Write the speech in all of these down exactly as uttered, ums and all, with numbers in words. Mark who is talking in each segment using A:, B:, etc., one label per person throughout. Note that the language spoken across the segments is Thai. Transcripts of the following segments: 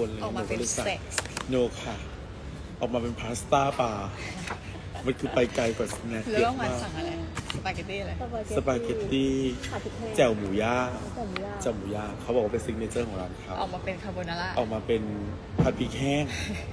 A: คนเลย
B: ออกมาเป็น
A: หก็ลยสั่ง
B: เซ็กซ์
A: โนค่ะ ออกมาเป็นพาสต้าปลามันคือไปไกลกว่าสแน็ค
B: แล้ว
A: เย
B: ต้อ
A: อะ
B: งมา
A: มา
B: สั่
A: ก
B: งอะไรสปาเกตตี้อะไร
A: สปาเกตตี้
C: ผัดพริกแห้ง
A: แจ่วหมูย่าง
C: แจ่วหมูย่าง
A: แจ่วหมูย่างเขาบอกว่าเป็นซิกเนเจอร์ของร้านเขา
B: ออกมาเป็นคาโบนาร่า
A: ออกมาเป็นผัดพริกแห้ง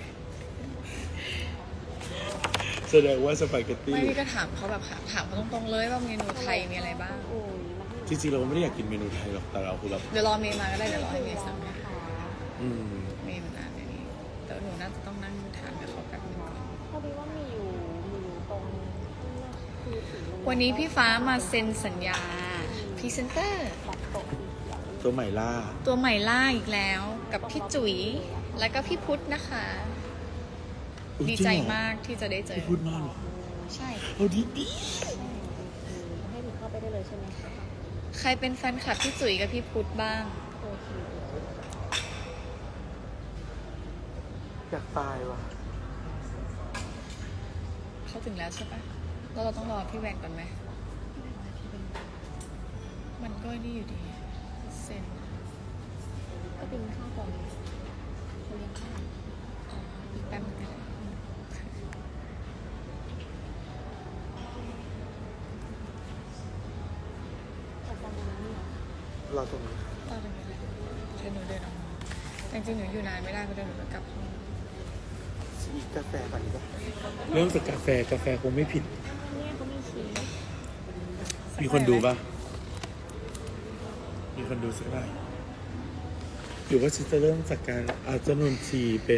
A: แสดงว่าสปาเกตตี้
B: ไม่พี่ก็ถามเขาแบบถามเขาตรงๆเลยว่าเมนูไทยมีอะไรบ้าง
C: โอ้ยมาให้
A: จริงๆเราไม่ได้อยากกินเมนูไทยหรอกแต่เราคือเรา
B: เดี๋ยวรอเมย์มาก็ได้เดี๋ยวรอให้เมย์สั่งให้
C: นะคะ
A: อืม
B: เมย์มันนานเดี๋ยวนี้แต่หนูน่าจะต้องนั่งทานกับเขาแป๊บนึงก่อน
C: พอดีว่ามีอยู่มีอยู่ตรงนี่นะคือถึงโรงแรม
B: วันนี้พี่ฟ้ามาเซ็นสัญญาพรีเซนเตอร์
C: บัตรโต๊ะสีเขียว
A: ตัวใหม่ล่า
B: ตัวใหม่ล่าอีกแล้วกับพี่จุ๋ยแล้วก็พี่พุทธนะคะ
A: อุ๊ย
B: ดี
A: ริง
B: ใจ
A: เหรอ
B: มากที่จะได้เจอ
A: พี่พูดมากเหรอ
B: ใช่
A: เอาดีดี
C: ให้ถึงเข้าไปได้เลยใช่ไหมคะ
B: ใครเป็นแฟนคลับพี่จุ๋ยกับพี่พุทธบ้าง
C: โอเค
A: อยากตายว่ะ
B: เขาถึงแล้วใช่ปะแล้วเราต้องรอพี่แวนก่อนไหม มันก็นี่อยู่ดีเซ็น
C: ก็เป็นข้าวก่อนเขาเลี้ยงข้าว
B: อีกแป๊บนึงก็ได้
C: แต่ตอนนั้นเนี่ย
A: เราตรงนี้
B: ต่อตรงนี้เลยเดี๋ยวหนูเดินออกมาแต่จริงๆหนูอยู่นานไม่ได้เพราะเดี๋ยวหนูจะกลับห้อง
A: อีกกาแฟก่อนดีกว่าเริ่มจากกาแฟกาแฟคงไม่ผิด
C: เนี่ยเขามีชีส
A: มีคนดูปะมีคนดูสักหน่อยหรือว่าฉันจะเริ่มจากการอาจจะนนทีเป็น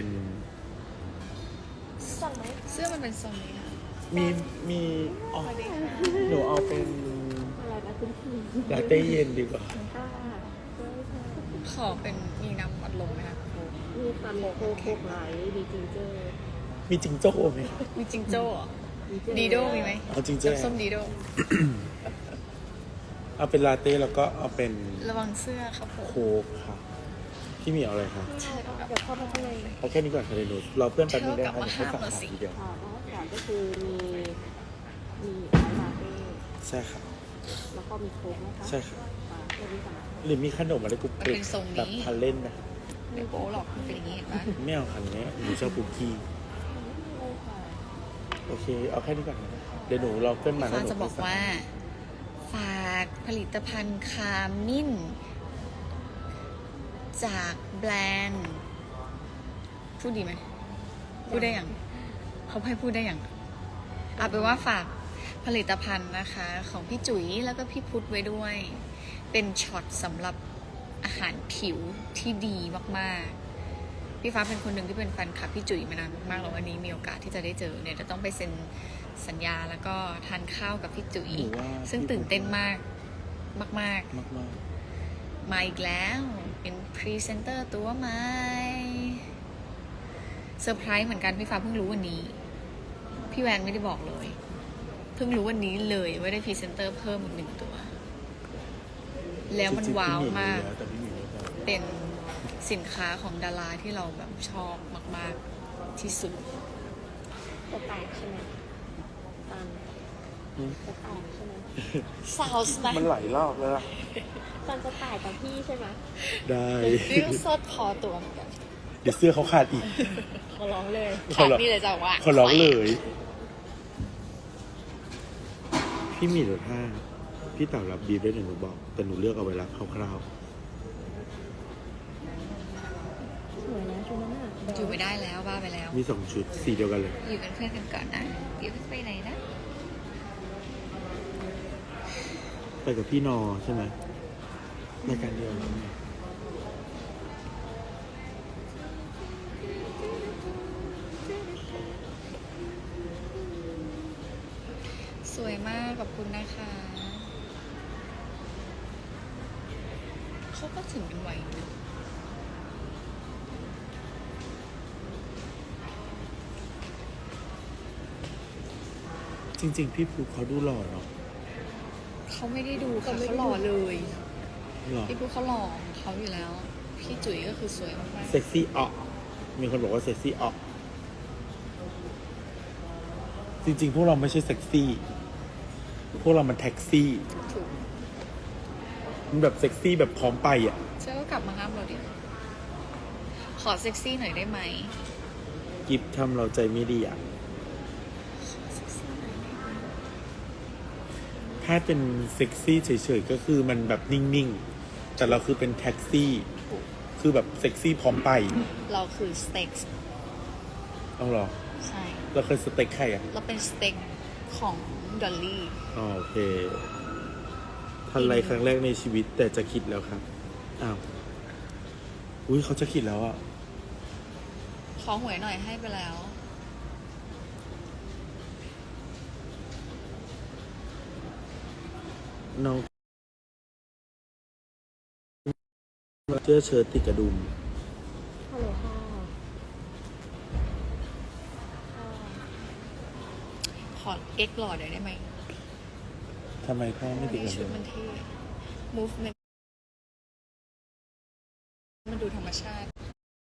C: สั่งไหม
B: เสื้อมันเป็นทรงนี้ค่ะ
A: มีมีอ๋อ
B: สวัสดีค่ะ
A: หนูเอาเป็น
C: อะไรนะคุณพี่
A: ลาเต้เย็นดีกว่า
C: ค่ะช่วยค่ะ
B: ขอเป็นมีน้ำอัดลมไหมคะครู
C: มีความโคโคไลท์มีจิงเจอร์
A: มีจิงโจ้ไหมคะ
B: มีจิงโจ้เหรอ
C: มีเจอร์
B: ดีโดมีไหม
A: เอาจิงโจ้
B: น้ำส้มดีโด
A: เอาเป็นลาเต้แล้วก็เอาเป็น
B: ระวังเสื้อครับผม
A: โค้กค่ะพี่หมีเอาอะไรคะ
C: ใช่เดี๋ยวเข้าไปข้างใน
A: เอาแค่นี้ก่อนค่ะเดี๋ยวหนูเราเพื่อนแป๊บนึงได้
B: เท่ากับ
A: ค่ะ
B: ว่า
A: เดี๋ยวเขาสั่ง
B: ห้ามละ
A: อา
B: สิ
A: หารทีเดียว
C: ค่ะแล้วก็ก็คือมีมีลาเต้
A: ใช่ค่ะ
C: แล้วก็มีโค้กนะคะ
A: ใช่ค่ะ
C: อ่าตัวนี้ก่อนนะคะ
A: หรือมีขนมอะไรกรุบ
B: มัน
A: กริบ
B: เป็นทรง
A: แบบ
B: นี้
A: ทันเล่นนะ
B: ไม่โป๊หรอกมันเป็นอย่างนี้เห็นปะ
A: ไม่เอาคันนี้หนูชอบคุกกี้
C: เลยค่ะ
A: โอเค เอาแค่นี้ก่อนนะเดี๋ยวหนูเราเพื่อนมาแล้ว
B: ฟ้า
A: หนู
B: จะบอกว่า ฝากผลิตภัณฑ์คามินจากแบรนด์พูดดีไหมพูดได้อย่างเขาให้พูดได้อย่างเอาเป็นว่าฝากผลิตภัณฑ์นะคะ ของพี่จุ๋ยแล้วก็พี่พุทธไว้ด้วย เป็นช็อตสำหรับอาหารผิวที่ดีมากๆ พี่ฟ้าเป็นคนหนึ่งที่เป็นแฟนคลับพี่จุ๋ยมานานมากๆแล้ววันนี้มีโอกาสที่จะได้เจอเนี่ยจะต้องไปเซ็นสัญญาแล้วก็ทานข้าวกับพี่จุ๋ย
A: หนูว่า
B: ซึ่งตื่นเต้นมากมาก
A: มากมาก
B: ๆ มาอีกแล้วเป็นพรีเซนเตอร์ตัวใหม่เซอร์ไพรส์เหมือนกันพี่ฟ้าเพิ่งรู้วันนี้ พี่แวนไม่ได้บอกเลย เพิ่งรู้วันนี้เลยว่าได้พรีเซนเตอร์เพิ่มอีกหนึ่งตัว แล้วมันว้าวมาก
A: แต่พี่หมีรู้แล้ว
B: เป็นสินค้าของดาราที่เราแบบชอบมาก ๆ ที่สุด
C: จะแตกใช่ไหมตาม
A: อืม
C: จะแตกใช่ไหม
B: ซาวส์นะ
A: มันไหลรอบแล้วล่ะ
C: ตอนจะแตกกับพี่ใช่ไหม
A: ได้
B: นี่ก็ซดพอตัวเหมือนกัน
A: เดี๋ยวเสื้อเขาขาดอีก
C: เขาร้องเลย
B: ขาดนี่เลยจ้ะว่า
A: ขอร้องเลย พี่หมีรถห้าพี่เต่ารับบีบได้หนึ่งหนูบอก แต่หนูเลือกเอาไว้รับคร่าว
C: สวยนะชุดนั้นอ่ะ
B: อยู่ไม่ได้แล้วบ้าไปแล้ว
A: ๆมีสองชุดสีเดียวกันเลย
B: อยู่เป็นเพื่อนกันก่อนนะเดี๋ยวไปไหนนะ
A: ไปกับพี่นอใช่ไหมรายการเดียวกัน
B: สวยมากขอบคุณนะคะ เขาก็ถึงกันไวนะ
A: จริง ๆ พี่ภูเขาดูหล่อเนาะ
B: เขาไม่ได้ดูค่ะเขาหล่อเลย
A: หล่อ
B: พี่พูดเขาหล่อของเขาอยู่แล้ว พี่จุ๋ยก็คือสวยมาก
A: เซ็กซี่ออกมีคนบอกว่าเซ็กซี่ออกจริง ๆ พวกเราไม่ใช่เซ็กซี่ พวกเรามันแท็กซี่
B: ๆถูก
A: มันแบบเซ็กซี่แบบพร้อมไปอ่ะ
B: เชื่อก็กลับมาห้ามเราดิขอเซ็กซี่หน่อยได้ไหม
A: กิฟทำเราใจไม่ดีอ่ะ ถ้าเป็นเซ็กซี่เฉยๆก็คือมันแบบนิ่งๆ แต่เราคือเป็นแท็กซี่ คือแบบเซ็กซี่พร้อมไป
B: เราคือสเต็ก
A: เอาเหรอ
B: ใช่
A: เราเคยสเต็กใครอ่ะ
B: เราเป็นสเต็กของดอลลี่
A: อ๋อโอเคทันไรครั้งแรกในชีวิตแต่จะคิดแล้วครับ อ้าว อุ้ยเขาจะคิดแล้วอ่ะ
B: ขอหวยหน่อยให้ไปแล้ว
A: น้องเสื้อเชิ้ตติดกระดุม
C: ฮัลโหลค่ะค่ะ
B: ขอเก๊กหล่อหน่อยได้ไหม
A: ทำไมพ่อไม่ติดกระ
B: ชุ
A: ดุ
B: ด
A: ม
B: มันเท่ movement มันดูธรรมชาติ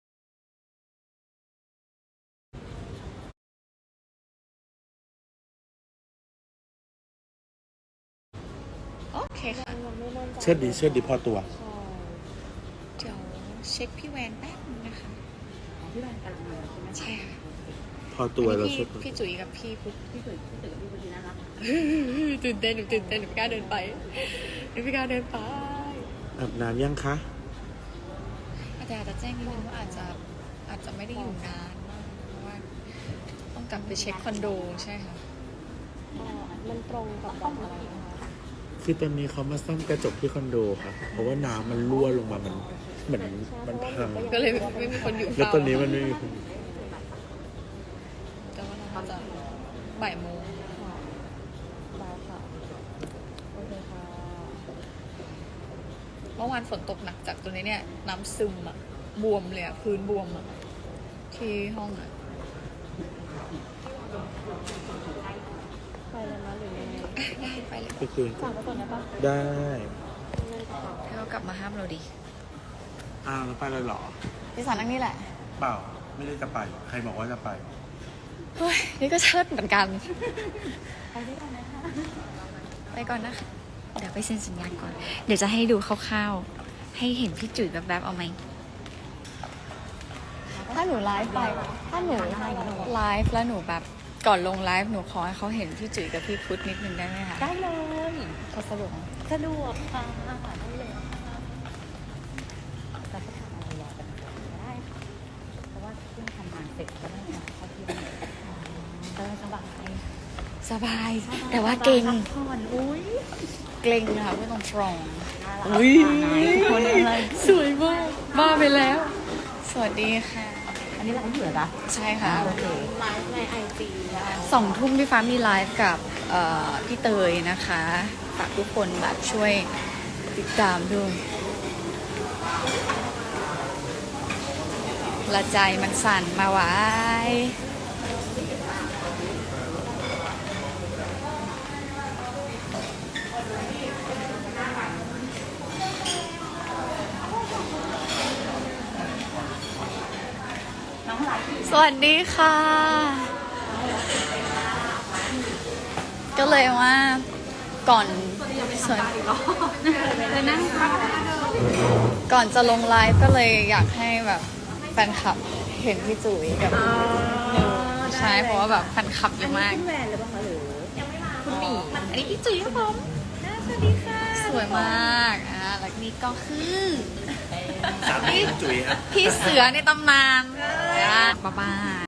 B: โอเคค่ะ
C: ยังไม่มั่นใจ
A: เชิดดีเชิดดีพอตัว
C: ใช่
B: เดี๋ยวเช็คพี่แวนแป๊บนึงนะคะ
C: พี่แบนกำลังมาใช่ไหม
B: ใช่ค่ะ
A: พอตัว
B: อัน
A: เรา
B: นี้
A: เชิ
B: พี่
A: ด
B: พี่จุ๋ยกับพี่พุทธ
C: พี่ตื่นพี่ตื่นพี่วันนี้น่ารัก
B: ตื่นเต้นหนูตื่นเต้นหนูไม่กล้าเดินไปหนูไม่กล้าเดินไป
A: อาบน้ำยังคะ
B: อาจารย์จะแจ้งนิดนึงว่าอาจจะอาจจะไม่ได้อยู่นานมากเพราะว่าต้องกลับไปเช็คคอนโดใช่ค่ะ
C: อ๋อมันตรงกับวันอะไรนะคะ
A: คือตอนนี้เขามาซ่อมกระจกที่คอนโดครับ เพราะว่าน้ำมันรั่วลงมา มันเหมือนมันพัง
B: ก็เลยไม่มีคนอยู่
A: แล้ว
B: เฝ้า
A: ตอนนี้มันไม่มีคน
B: แต่ว่าเราจะบ่ายโมง
C: ค่ะได้ค่ะโอเคค่ะ
B: เมื่อวานฝนตกหนักจากตัวนี้เนี่ย น้ำซึมอะบวมเลยอะพื้นบวมอะที่ห้องอะ
C: ไปเลยนะหรือยังไง
B: ได้ไปเลย
A: ก็คือ
C: ฝากไว้ก่อนได้ปะ
A: ได้
B: ให้เขากลับมาห้ามเราดี
A: อ้าวแล้วไปเลยเหรอ
B: พี่สารนั่งนี่แหละ
A: เปล่า ไม่ได้จะไป ใครบอกว่าจะไป
B: เฮ้ยนี่ก็เชิดเหมือนกัน
C: ไปด้วยกันนะคะ
B: ไปก่อนนะคะ เดี๋ยวไปเซ็นสัญญาก่อน เดี๋ยวจะให้ดูคร่าวๆ ให้เห็นพี่จุ๋ยแบบๆเอาไหม ถ้าหนูไลฟ์ไป ถ้าหนูไลฟ์แล้วหนูแบบก่อนลงไลฟ์หนูขอให้เขาเห็นพี่จุ๋ยกับพี่พุทธนิดนึงได้ไหมคะ
C: ได้เลย
B: เขาสะดวกไหม
C: สะดวกค่ะได้เลยค่ะเราจะทำอะไรรอกันก็ได้ค่ะเพราะว่าเพิ่งทำงานเสร็จก็ได้มาเข้าที่นี่ก็สบาย
B: สบาย แต่ว่าเก่ง
C: พัผ่อนอุ้ย
B: เกรงค่ะไม่ต้องตรง
C: น่ารัก
B: อุ้ย
C: คนอะไร
B: สวยมากบ้าไปแล้ว สวัสดีค่ะ
C: อันนี้เราก็อยู่เหรอจ๊ะ
B: ใช่ค่ะ
C: โอเคไลฟ์ในไอจี
B: สองทุ่มพี่ฟ้ามีไลฟ์กับเอ่อพี่เตยนะคะฝากทุกคนแบบช่วยติดตามด้วยละใจมันสั่นมาไว้ สวัสดีค่ะ ก็เลยว่าก่อนส่วนก่อนจะลงไลฟ์ก็เลยอยากให้แบบแฟนคลับเห็นพี่จุ๋ยกับนิวใช่เพราะว่าแบบแฟนคลับเยอะมาก
C: คุณแหวนหรือเปล่าคะหรือคุณหมี
B: อันนี้พี่จุ๋ยครับผมสวัสดีค่ะ สวยมากอ่าแล้วนี่ก็คือ
A: สามีจุ๋ยครับ
B: พี่เสือในตำนานอ่าบ๊ายบาย